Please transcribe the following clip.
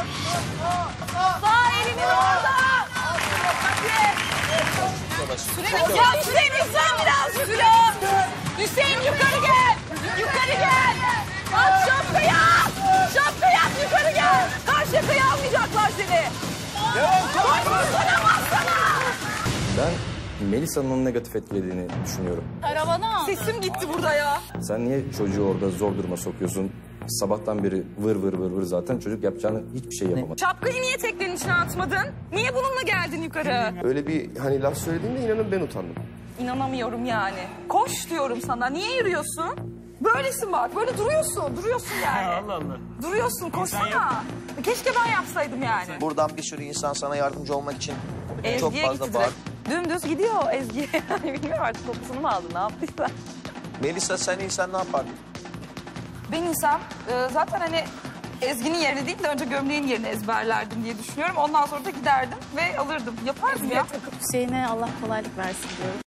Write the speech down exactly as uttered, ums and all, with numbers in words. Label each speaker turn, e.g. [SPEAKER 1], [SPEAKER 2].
[SPEAKER 1] Sağ elinin orada. Süren, ya Hüseyin Hüseyin biraz Süren. Hüseyin yukarı gel. Yukarı gel. At şapkayı at. Şapkayı at yukarı gel. Karşı yakayı almayacaklar seni. Koşmasana bassana.
[SPEAKER 2] Ben Melisa'nın onu negatif etkilediğini düşünüyorum.
[SPEAKER 1] Karavana. Sesim gitti burada ya.
[SPEAKER 2] Sen niye çocuğu orada zor duruma sokuyorsun? Sabahtan beri vır vır vır vır zaten çocuk yapacağını hiçbir şey yapamadı.
[SPEAKER 1] Şapkayı niye teknenin içine atmadın? Niye bununla geldin yukarı?
[SPEAKER 3] Öyle bir hani laf söylediğimde inanın ben utandım.
[SPEAKER 1] İnanamıyorum yani. Koş diyorum sana. Niye yürüyorsun? Böylesin bak. Böyle duruyorsun. Duruyorsun yani.
[SPEAKER 4] Allah Allah.
[SPEAKER 1] Duruyorsun. Koşsana. Keşke ben yapsaydım yani.
[SPEAKER 5] Buradan bir sürü insan sana yardımcı olmak için
[SPEAKER 1] Ezgi'ye
[SPEAKER 5] çok
[SPEAKER 1] gitti
[SPEAKER 5] fazla
[SPEAKER 1] direkt.
[SPEAKER 5] bağır.
[SPEAKER 1] Dümdüz gidiyor Ezgi'ye. Bilmiyorum artık kokusunu mu aldı ne yaptıysa.
[SPEAKER 5] Melisa sen insan ne yapardın?
[SPEAKER 1] Ben insan e, zaten hani Ezgi'nin yerini değil de önce gömleğin yerini ezberlerdim diye düşünüyorum. Ondan sonra da giderdim ve alırdım. Yapardım ya.
[SPEAKER 6] Hüseyin'e Allah kolaylık versin diyorum.